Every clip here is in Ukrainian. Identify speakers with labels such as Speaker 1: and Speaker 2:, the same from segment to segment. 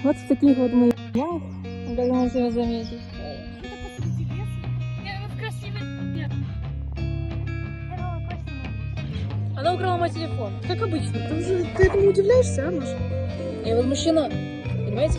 Speaker 1: Вот в таких вот мы ямах, как можно заметить. Она украла мой телефон, как обычно.
Speaker 2: Ты этому удивляешься, а, Маша?
Speaker 1: Я возмущена, понимаете?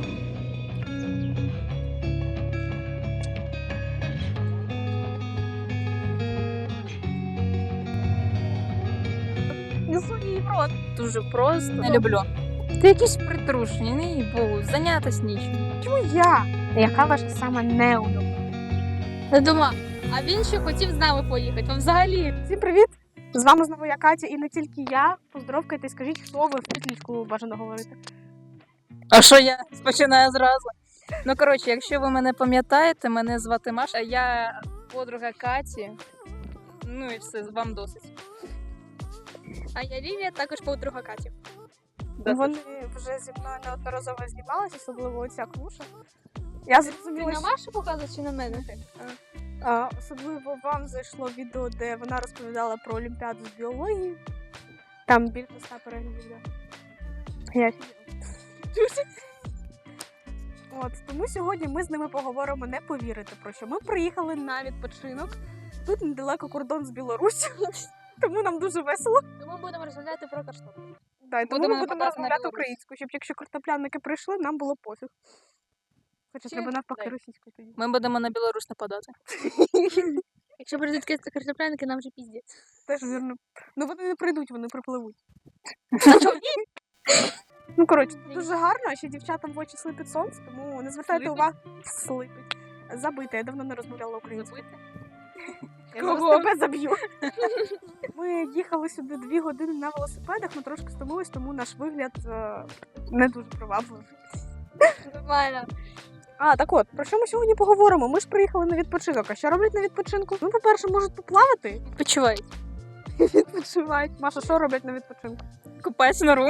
Speaker 2: Несу її в рот.
Speaker 1: Дуже просто. Не люблю. Ти якийсь притрушений, не їй Богу, зайнятися нічим.
Speaker 2: Чому я? Яка ваша сама неулюблена?
Speaker 3: Не думала, а він ще хотів з нами поїхати. А взагалі.
Speaker 2: Всім привіт! З вами знову я, Катя, і не тільки я. Поздоровкайте, скажіть, хто ви в петлічку бажано говорити.
Speaker 1: А що я починаю зразу? Ну, коротше, якщо ви мене пам'ятаєте, мене звати Маша, а я подруга Каті. Ну і все, вам досить.
Speaker 3: А я Лілія, також подруга Каті.
Speaker 1: Досить.
Speaker 2: Вони вже зі мною неодноразово знімалися, особливо оця клуша. Я
Speaker 3: Ти
Speaker 2: зрозуміла,
Speaker 3: на Машу показуєш чи на мене?
Speaker 2: особливо вам зайшло відео, де вона розповідала про Олімпіаду з біології. Там більше 100 переглядів. Я офігела. От, тому сьогодні ми з ними поговоримо, не повірите про що. Ми приїхали на відпочинок. Тут недалеко кордон з Білоруссю, тому нам дуже весело.
Speaker 3: Тому будемо розмовляти про картоплю.
Speaker 2: Да, і тому
Speaker 1: Будемо
Speaker 2: ми будемо
Speaker 1: нападати на
Speaker 2: розмовляти
Speaker 1: Білорусь.
Speaker 2: українською, щоб якщо картоплянники прийшли, нам було пофіг. Хоча
Speaker 3: Чи-
Speaker 2: треба навпаки
Speaker 1: дай.
Speaker 2: російською тоді.
Speaker 1: Ми будемо на Білорусь нападати.
Speaker 3: Якщо прийдуть картопляники, нам вже піздець.
Speaker 2: Теж вірно. Ну вони не прийдуть, вони припливуть.
Speaker 3: А що?
Speaker 2: Ну, коротше, дуже гарно, а ще дівчатам в очі слипить сонце, тому не звертайте
Speaker 1: Слипить?
Speaker 2: увагу. Слипить. Забити, я давно не розмовляла українською. Я
Speaker 3: Кого?
Speaker 2: зараз тебе заб'ю. Ми їхали сюди 2 години на велосипедах, ми трошки стомились, тому наш вигляд не дуже привабливий.
Speaker 3: Нормально.
Speaker 2: А, так от, про що ми сьогодні поговоримо? Ми ж приїхали на відпочинок. А що роблять на відпочинку? Ну, по-перше, можуть поплавати.
Speaker 3: Почувай.
Speaker 2: Відпочивають. Маша, що роблять на відпочинку?
Speaker 1: Купаюсь нору.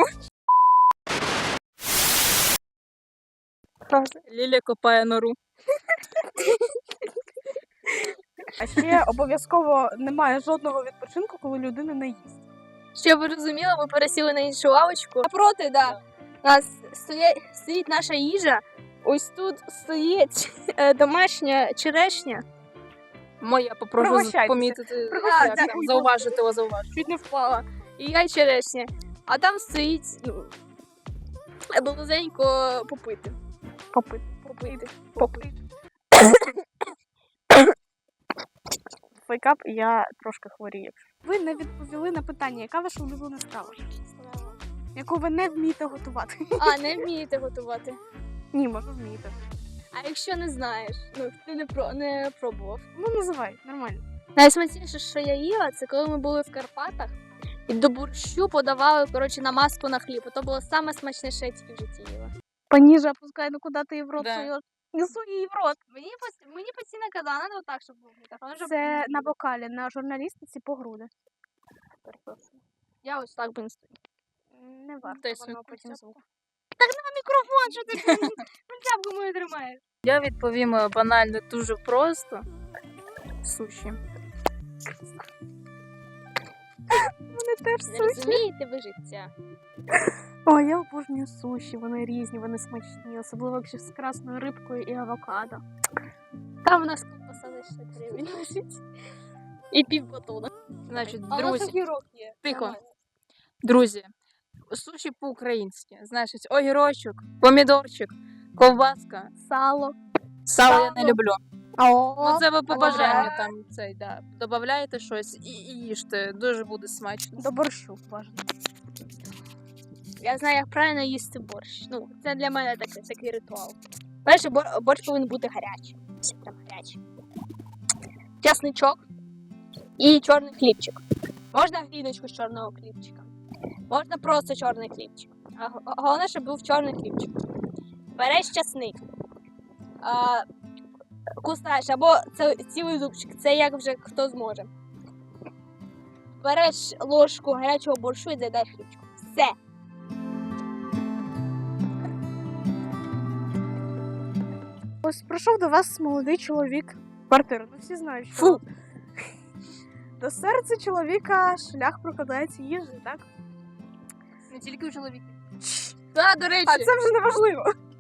Speaker 1: Лілія копає нору.
Speaker 2: А ще обов'язково немає жодного відпочинку, коли людина не їсть.
Speaker 3: Щоб ви розуміли, ми пересіли на іншу лавочку. Напроти, да. У нас стоїть наша їжа. Ось тут стоїть домашня черешня.
Speaker 1: Моя попрошу
Speaker 2: Пригощайтеся.
Speaker 1: помітити,
Speaker 2: Пригощайтеся.
Speaker 1: як там, зауважити, зауважити.
Speaker 3: Чуть не впала. І я й черешня. А там стоїть, ну, близенько попити.
Speaker 2: Попити. Попити. Фейкап, я трошки хворію. Ви не відповіли на питання, яка ваша улюблена страва? Яку ви не вмієте готувати?
Speaker 3: А, не вмієте готувати.
Speaker 2: Ні, може вмієте.
Speaker 3: А якщо не знаєш, ну ти не пробував.
Speaker 2: Ну, називай, нормально.
Speaker 3: Найсмачніше, що я їла, це коли ми були в Карпатах і до борщу подавали, коротше, намазку на хліб. То було саме смачніше, що я тільки в житті їла.
Speaker 2: Поніже опускай, ну куди ти її в рот
Speaker 1: Да.
Speaker 2: суєш? Несу її в рот.
Speaker 3: Мені постійно казали, треба отак, щоб був мікрофон. щоб-
Speaker 2: Це на вокалі, на журналістиці по груди.
Speaker 3: Я ось так би не стоїть.
Speaker 2: Не варто,
Speaker 1: Дай
Speaker 2: воно
Speaker 1: свій
Speaker 2: потім
Speaker 1: кульця.
Speaker 2: звук.
Speaker 3: Мікрофон, що ти кульцяпку мою тримаєш?
Speaker 1: Я відповім банально дуже просто. Суші.
Speaker 2: Вони теж
Speaker 3: Не
Speaker 2: суші.
Speaker 3: розумієте ви життя.
Speaker 2: О, я обожнюю суші, вони різні, вони смачні, особливо якщо з красною рибкою і авокадо.
Speaker 3: Там у нас ковбаса за 60 гривень лежить. І пів батона.
Speaker 1: Значить,
Speaker 3: А у нас
Speaker 1: друзі,
Speaker 3: огірок є.
Speaker 1: тихо.
Speaker 3: Нормально.
Speaker 1: Друзі, суші по-українськи. Значить, огірочок, помідорчик, ковбаска.
Speaker 2: Сало.
Speaker 1: Сало я не люблю.
Speaker 2: О,
Speaker 1: Ну це ви по
Speaker 2: а
Speaker 1: бажанню
Speaker 2: вже?
Speaker 1: там цей, да. Додаєте щось і їжте. Дуже буде смачно.
Speaker 2: До борщу бажано.
Speaker 3: Я знаю, як правильно їсти борщ. Ну, це для мене такий ритуал. Перше, борщ повинен бути гарячий. Все прям гарячий. Часничок і чорний хлібчик. Можна гріночку з чорного хлібчика. Можна просто чорний хлібчик. А головне, щоб був чорний хлібчик. Береш часник. Кусаєш, або це цілий зубчик. Це як вже хто зможе. Береш ложку гарячого борщу і заїдаєш хлібчиком. Все.
Speaker 2: Ось прийшов до вас молодий чоловік. Квартира, ну всі знають, що
Speaker 1: Фу.
Speaker 2: до серця чоловіка шлях прокладається їжею, так?
Speaker 3: Не тільки у чоловіків. Так, до речі.
Speaker 2: А це вже не важливо.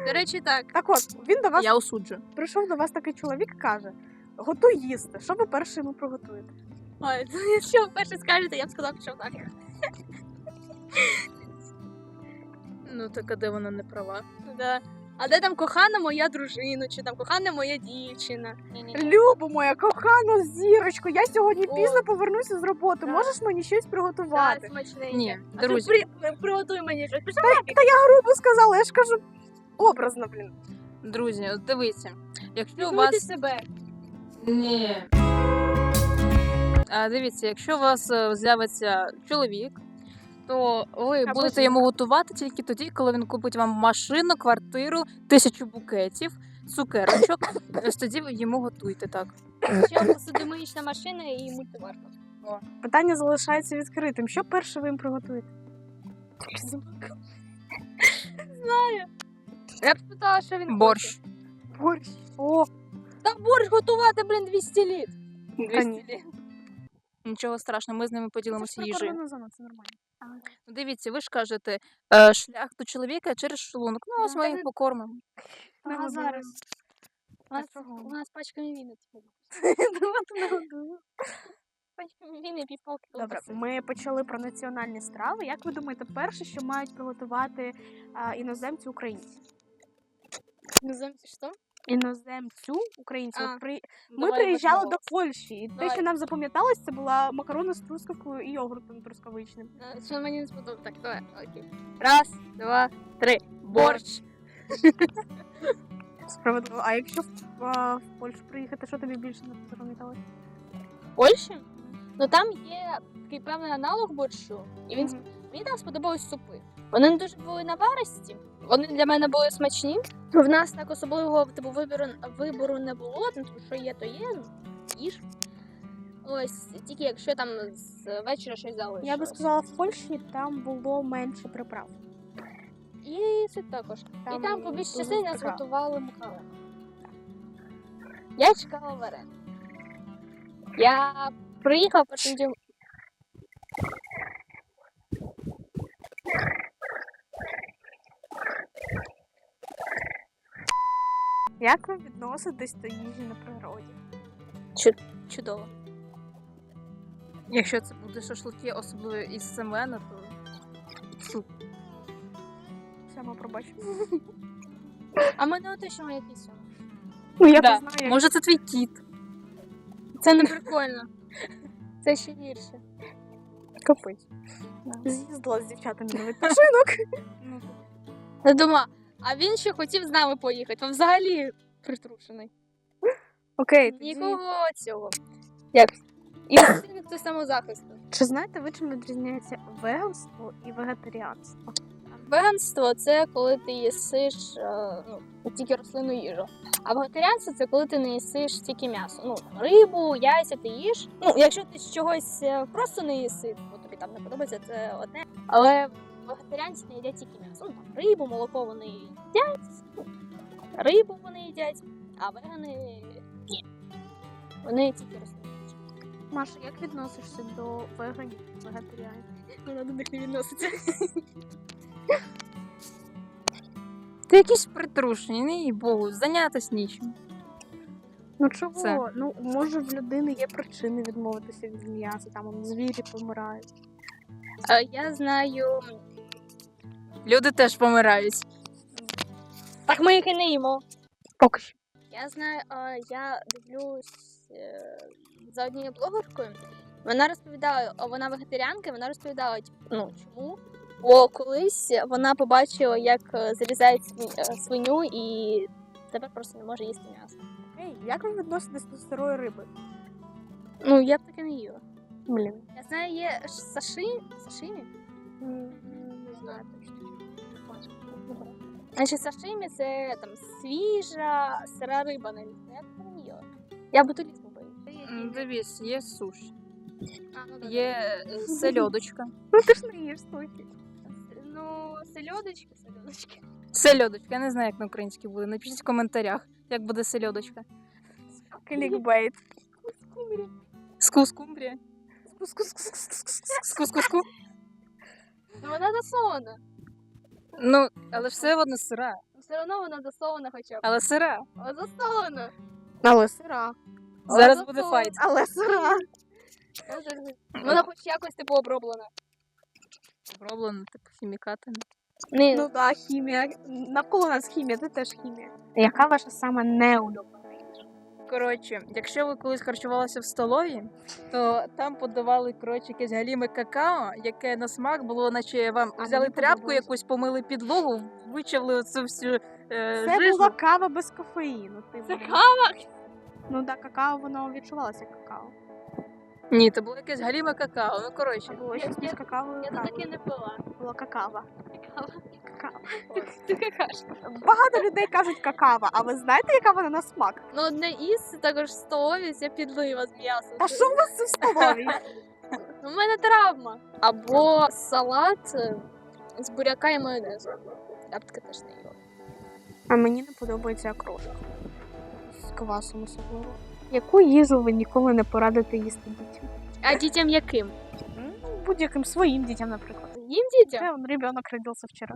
Speaker 3: До речі, так.
Speaker 2: Так от, він до вас
Speaker 1: Я осуджую.
Speaker 2: прийшов до вас такий чоловік і каже: готуй їсти. Що ви перше йому приготуєте?
Speaker 3: Ой, якщо ви перше скажете, я б сказала, що так.
Speaker 1: Ну, так а де вона не права?
Speaker 3: Да. А де там кохана моя дружина, чи там кохана моя дівчина?
Speaker 2: Любо моя, кохана зірочко, я сьогодні
Speaker 3: О.
Speaker 2: пізно повернуся з роботи.
Speaker 3: Да.
Speaker 2: Можеш мені щось приготувати?
Speaker 3: Так, смачненьке.
Speaker 1: Ні,
Speaker 3: А ти
Speaker 1: друзі.
Speaker 3: приготуй мені щось.
Speaker 2: Грубо сказала, я ж кажу образно, блін.
Speaker 1: Друзі, от дивіться. Якщо у
Speaker 3: Пробуйте
Speaker 1: вас...
Speaker 3: себе.
Speaker 1: Ні. Дивіться, якщо у вас з'явиться чоловік, то ви
Speaker 2: Або
Speaker 1: будете
Speaker 2: жінка.
Speaker 1: йому готувати тільки тоді, коли він купить вам машину, квартиру, 1000 букетів, цукерочок. Ось тоді ви йому готуйте, так.
Speaker 3: Ще посудомиїчна машина і мультиварка.
Speaker 2: Питання залишається відкритим. Що перше ви їм приготуєте?
Speaker 3: Я б спитала, що він
Speaker 1: Борщ.
Speaker 2: Борщ. О,
Speaker 3: хоче. Та борщ готувати, блін, 200 літ.
Speaker 1: 200 літ. Нічого страшного, ми з ними
Speaker 2: це ж
Speaker 1: поділимося їжею.
Speaker 2: прикордонна зона, це нормально.
Speaker 1: Ну, дивіться, ви ж кажете, шлях до чоловіка через шлунок. Ну, ось
Speaker 3: Да,
Speaker 1: ми
Speaker 3: та
Speaker 1: їх
Speaker 3: ви-
Speaker 1: покормимо.
Speaker 3: Ага, зараз. У нас,
Speaker 2: чого?
Speaker 3: у нас пачками віни.
Speaker 2: Давайте нагодую.
Speaker 3: Пачками віни, півпалки.
Speaker 2: Добре, ми почали про національні страви. Як ви думаєте, перше, що мають приготувати іноземці українці?
Speaker 3: Іноземці що?
Speaker 2: Іноземцю українці.
Speaker 3: А,
Speaker 2: От ми
Speaker 3: Давай
Speaker 2: приїжджали
Speaker 3: почнемо.
Speaker 2: до Польщі, і те,
Speaker 3: Давай.
Speaker 2: що нам запам'яталось, це була макарони з трускавкою і йогуртом трускавичним.
Speaker 3: Що мені не сподобалось. Так, давай, окей. Раз, два, три. Борщ.
Speaker 2: Справедливо. А якщо в Польщу приїхати, що тобі більше не запам'яталось?
Speaker 3: Польщі? Ну там є такий певний аналог борщу, і мені там сподобались супи. Вони не дуже були наваристі, вони для мене були смачні. В нас так особливого типу вибору не було, тому що є, то є, ну, їж. Ось, тільки якщо там з вечора щось залишилось.
Speaker 2: Я би сказала, в Польщі там було менше приправ.
Speaker 3: І це також.
Speaker 2: Там
Speaker 3: і там по більшій
Speaker 2: дуже
Speaker 3: частині нас
Speaker 2: приправ.
Speaker 3: готували макарони. Я чекала варен. Я приїхав, потім дім.
Speaker 2: Як ви відноситесь до їжі на природі?
Speaker 3: Чудово.
Speaker 1: Якщо це буде шашлики, особливо із семена, то супер.
Speaker 2: Все, ми пробачимо.
Speaker 3: А ми не отишимо якийсь.
Speaker 2: Ну, я
Speaker 1: Да.
Speaker 2: не знаю, як
Speaker 1: Може, це твій кіт.
Speaker 3: Це не прикольно. Це ще гірше.
Speaker 2: капець. З'їздила з дівчатами на відпочинок.
Speaker 3: Я думаю, а він ще хотів з нами поїхати. Він взагалі притрушений.
Speaker 2: Окей, тоді...
Speaker 3: Нікого цього. Як? Інстинкт до самозахисту.
Speaker 2: Чи знаєте ви, чим відрізняється веганство і вегетаріанство?
Speaker 3: Веганство це коли ти їсиш тільки рослинну їжу. А вегетаріанство це коли ти не їсиш тільки м'ясо. Ну, там, рибу, яйця ти їш. Ну, якщо ти чогось просто не їси, бо тобі там не подобається, це одне. Але вегетаріанці не їдять тільки м'ясо. Ну, там, рибу, молоко вони їдять, ну, рибу вони їдять, а вегани ні. Вони тільки рослинну їжу.
Speaker 2: Маша, як відносишся до веганів, вегетаріанців?
Speaker 3: Вона до них не відноситься.
Speaker 1: Ти якийсь притрушений, не їй Богу, зайнятися нічим.
Speaker 2: Ну чого?
Speaker 1: Це.
Speaker 2: Ну, може в людини є причини відмовитися від м'яса, там он, звірі помирають.
Speaker 3: Я знаю.
Speaker 1: Люди теж помирають.
Speaker 3: Так ми їх і не їмо.
Speaker 2: Поки що.
Speaker 3: Я знаю, я дивлюсь за однією блогеркою. Вона розповідала, вона вегетаріанка, вона розповідала, ну чому. Бо колись вона побачила, як зарізають свиню і тепер просто не може їсти м'ясо.
Speaker 2: Окей, як ви відноситесь до сирої риби?
Speaker 3: Ну, я б таке не їла.
Speaker 2: Блін.
Speaker 3: Я знаю, є сашимі?
Speaker 2: Не знаю точно.
Speaker 3: Значить, сашимі це там свіжа, сира риба навіть. Я таке не їла. Я ботулізму боюсь.
Speaker 1: Дивись, є суші,
Speaker 3: Ну, да,
Speaker 1: є сельодочка.
Speaker 2: Ну ти ж не їш суші.
Speaker 3: Ну, сельодочки.
Speaker 1: Сельодочка, я не знаю, як на українській буде. Напишіть в коментарях, як буде сельодочка.
Speaker 2: Клікбейт.
Speaker 1: Скускумбрія.
Speaker 2: Скус-скус-скус-скус-скус.
Speaker 1: Скус-куску.
Speaker 3: Ну, вона засолена.
Speaker 1: Ну, але ж все одно сира.
Speaker 3: Все одно вона засована хоча б.
Speaker 1: Але сира.
Speaker 3: О, засована.
Speaker 2: Але сира.
Speaker 1: Зараз
Speaker 3: Але
Speaker 1: буде
Speaker 3: засована.
Speaker 1: файт.
Speaker 2: Але сира.
Speaker 3: Вона хоч якось типу оброблена.
Speaker 1: Зроблено, типу, хімікатами.
Speaker 3: Ні,
Speaker 2: Ну так, хімія. Навколо нас хімія, це теж хімія. Яка ваша сама неудобна їжа?
Speaker 1: Коротше, якщо ви колись харчувалися в столові, то там подавали, коротше, якесь галіме какао, яке на смак було, наче вам
Speaker 2: А,
Speaker 1: взяли
Speaker 2: мені
Speaker 1: тряпку
Speaker 2: подобалось.
Speaker 1: якусь, помили підлогу, вичавили оцю всю
Speaker 2: Це
Speaker 1: жижу.
Speaker 2: була кава без кофеїну.
Speaker 3: це кава.
Speaker 2: Ну так, какао, воно відчувалося як какао.
Speaker 1: Ні, це було якесь галіме какао. Ну, коротше.
Speaker 2: Було щось між какао і
Speaker 3: Я тут
Speaker 2: кавою.
Speaker 3: таки не пила.
Speaker 2: Було какао.
Speaker 3: Кава.
Speaker 2: Какао.
Speaker 3: Ти какаш.
Speaker 2: Багато людей кажуть какао, а ви знаєте, яка вона на смак?
Speaker 3: Ну, одне із також в столові це підлива з м'ясом.
Speaker 2: Та що у вас це в столовій?
Speaker 3: У мене травма. Або салат з буряка і майонезу. Я б таке теж не їла.
Speaker 2: А мені не подобається окрошка. З квасом особливо. Яку їжу ви ніколи не порадите їсти дітям?
Speaker 3: А дітям яким?
Speaker 2: Будь-яким своїм дітям, наприклад.
Speaker 3: Їм дітям?
Speaker 2: Це он ребенок родився вчора.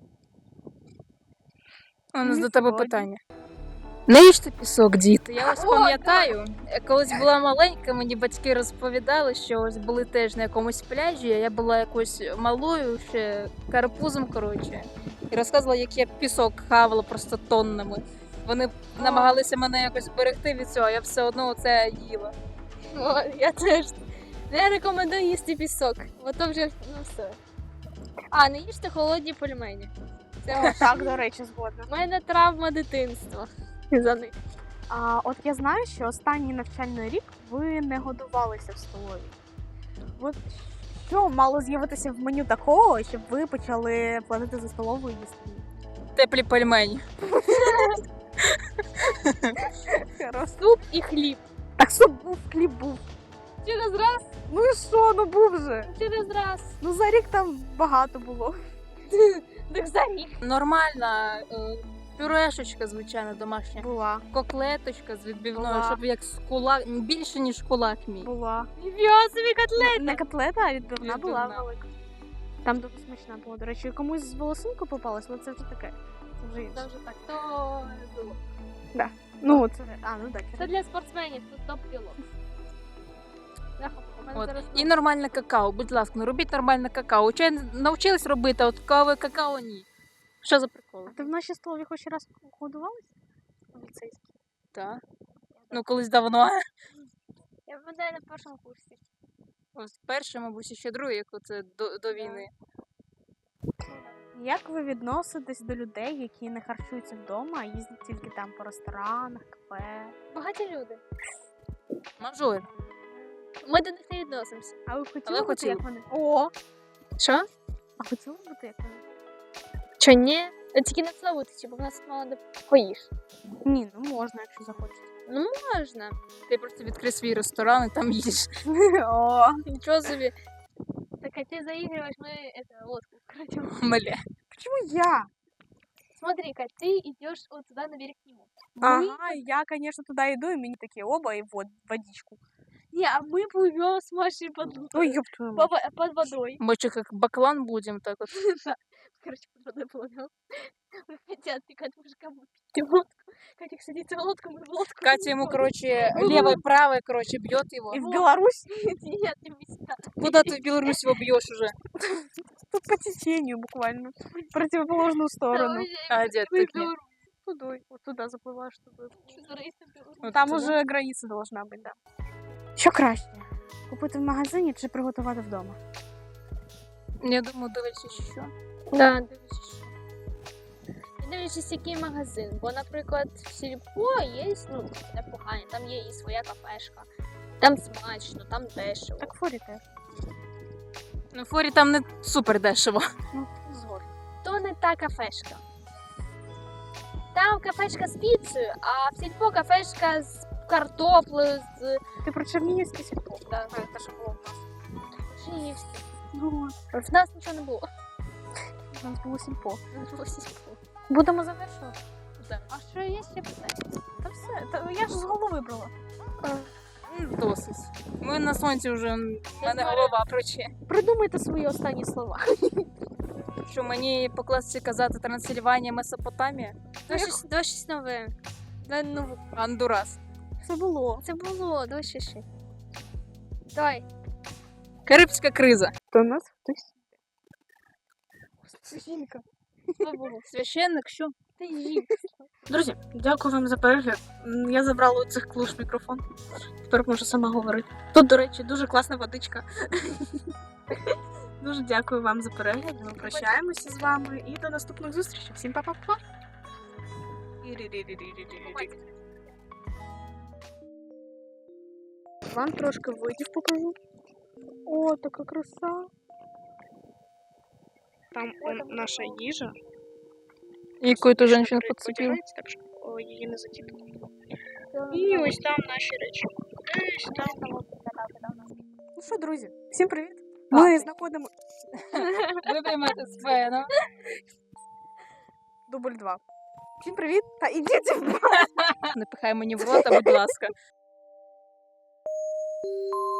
Speaker 1: У нас
Speaker 2: Ні,
Speaker 1: до тебе
Speaker 2: сьогодні.
Speaker 1: питання. Не їжте пісок, діти. Я ось
Speaker 3: О,
Speaker 1: пам'ятаю, колись була маленька, мені батьки розповідали, що ось були теж на якомусь пляжі, а я була якось малою, ще карапузом, коротше. І розказувала, як я пісок хавала просто тоннами. Вони намагалися мене якось берегти від цього, а я все одно це їла.
Speaker 3: О, я теж. Не рекомендую їсти пісок. Бо то вже ну все. А, не їжте холодні пельмені. Це
Speaker 2: Так, до речі, згодна.
Speaker 3: у мене травма дитинства. За них.
Speaker 2: А от я знаю, що останній навчальний рік ви не годувалися в столові. От що мало з'явитися в меню такого, щоб ви почали платити за столову і їсти?
Speaker 1: Теплі пельмені.
Speaker 3: Суп і хліб.
Speaker 2: Так що був, хліб був.
Speaker 3: Через раз,
Speaker 2: Ну і що, ну був же.
Speaker 3: через раз.
Speaker 2: Ну за рік там багато було.
Speaker 3: Так за рік.
Speaker 1: Нормальна пюрешечка, звичайно, домашня.
Speaker 2: Була,
Speaker 1: Коклеточка з відбивною,
Speaker 2: Була.
Speaker 1: щоб як з кулак, більше, ніж кулак мій.
Speaker 2: була.
Speaker 3: Ніфіга собі котлет.
Speaker 2: Не котлета, а відбивна була
Speaker 1: Відбивна.
Speaker 2: велика. Там дуже смачна була. До речі, комусь з волосинку попалась, але це вже таке. Це вже інше.
Speaker 3: Це вже так, то не було.
Speaker 2: Ну, це. Ну так.
Speaker 3: Це для спортсменів, тут топ-білок.
Speaker 1: От. І нормальне какао, будь ласка, ну робіть нормальне какао. Чай навчились робити, а от кави какао ні. Що за прикол?
Speaker 2: А ти в нашій столові хоч раз годувалась? У ліцейській?
Speaker 1: Так. Ну, колись давно.
Speaker 3: Я пам'ятаю на першому курсі.
Speaker 1: Ось перший, мабуть, і ще другий, як оце до війни.
Speaker 2: Як ви відноситесь до людей, які не харчуються вдома, а їздять тільки там по ресторанах, кафе?
Speaker 3: Багаті люди.
Speaker 1: Мажор.
Speaker 3: Ми до них не відносимося.
Speaker 2: А ви хотіли
Speaker 1: Але
Speaker 2: бути
Speaker 1: хотіли.
Speaker 2: як вони? О!
Speaker 3: Що?
Speaker 2: А хотіли бути як вони?
Speaker 3: Чи ні? Тільки не славутичі, бо в нас мало де поїш.
Speaker 2: Ні, ну можна, якщо захочете.
Speaker 3: Ну можна.
Speaker 1: Ти просто відкрий свій ресторан і там їж.
Speaker 2: О!
Speaker 3: Нічого собі. Так а ты заигрываешь, мы это лодку крадем.
Speaker 1: Мля.
Speaker 2: Чому я?
Speaker 3: Смотри-ка, ты идешь вот туда на берег к нему.
Speaker 2: Ага, я, конечно, туди йду, і мені такі оба, і водичку.
Speaker 3: Не, а мы плывем с Машей под,
Speaker 2: Ой, ёб твою мать.
Speaker 3: под водой.
Speaker 1: Мы что, как баклан будем так вот?
Speaker 3: Короче, под водой плывем. Мы хотят тыкать мужикам в лодку. Катя садится в лодку, мы в лодку.
Speaker 1: Катя ему, короче, левой, правой, короче, бьет его.
Speaker 2: І в Білорусь
Speaker 3: Нет, не меня.
Speaker 1: Куда ты в Беларусь его бьешь уже?
Speaker 2: тут по течению буквально. В противоположную сторону.
Speaker 1: А, дед,
Speaker 3: Мы
Speaker 1: ты мне.
Speaker 2: Туди, от туди запливаєш, туди.
Speaker 1: Вот
Speaker 2: Там
Speaker 1: туда.
Speaker 2: уже границя должна бути, да. Що краще? Купити в магазині чи приготувати вдома?
Speaker 1: Я думаю, дивись що.
Speaker 3: Да, дивлячись. Дивлячись, який магазин. Бо, наприклад, в Сільпо є, ну, непогані, там є і своя кафешка. Там смачно, там дешево.
Speaker 2: Так форі теж.
Speaker 1: Ну, в форі там не супер дешево.
Speaker 2: Ну, згодом.
Speaker 3: То не та кафешка. Там кафешка з піцею, а в Сільпо кафешка з картоплею, з
Speaker 2: Ти про Чернігівське сільпо?
Speaker 3: Да.
Speaker 2: А, це ж було в нас.
Speaker 3: Чернігівським.
Speaker 2: Ну,
Speaker 3: В нас нічого не було.
Speaker 2: у нас було сільпо.
Speaker 3: У нас було Сільпо.
Speaker 2: Будемо завершувати.
Speaker 3: Да. А що є ще питання?
Speaker 2: Та все, та я ж з голови брала.
Speaker 1: Досить. Ми на сонці вже, в мене голова проче.
Speaker 2: Придумайте свої останні слова.
Speaker 1: Що мені по класиці казати Трансильванія, Месопотамія?
Speaker 3: Давай щось нове. Давай нову.
Speaker 1: Андурас.
Speaker 2: Це було.
Speaker 3: Це було, давай ще. Давай.
Speaker 1: Карибська криза.
Speaker 2: До нас хтось. Це жінка.
Speaker 3: Що було?
Speaker 1: Священник, що?
Speaker 3: Ти жінка.
Speaker 2: Друзі, дякую вам за перегляд. Я забрала у цих клуш мікрофон. Тепер можу сама говорити. Тут, до речі, дуже класна водичка. Дуже дякую вам за перегляд. Ми прощаємося з вами і до наступних зустрічей. Всім па-па-па! Вам трошки видів покажу. О, така краса. Там наша їжа.
Speaker 1: Яку ту жінку підцепив.
Speaker 2: Так що її не затіти. І ось там наші речі. Десь там. Ну що, друзі, всім привіт. Ми знаходимо
Speaker 1: Витримати сцену.
Speaker 2: дубль 2. Всім привіт та ідіть в
Speaker 1: Не пихай мені в рота, будь ласка.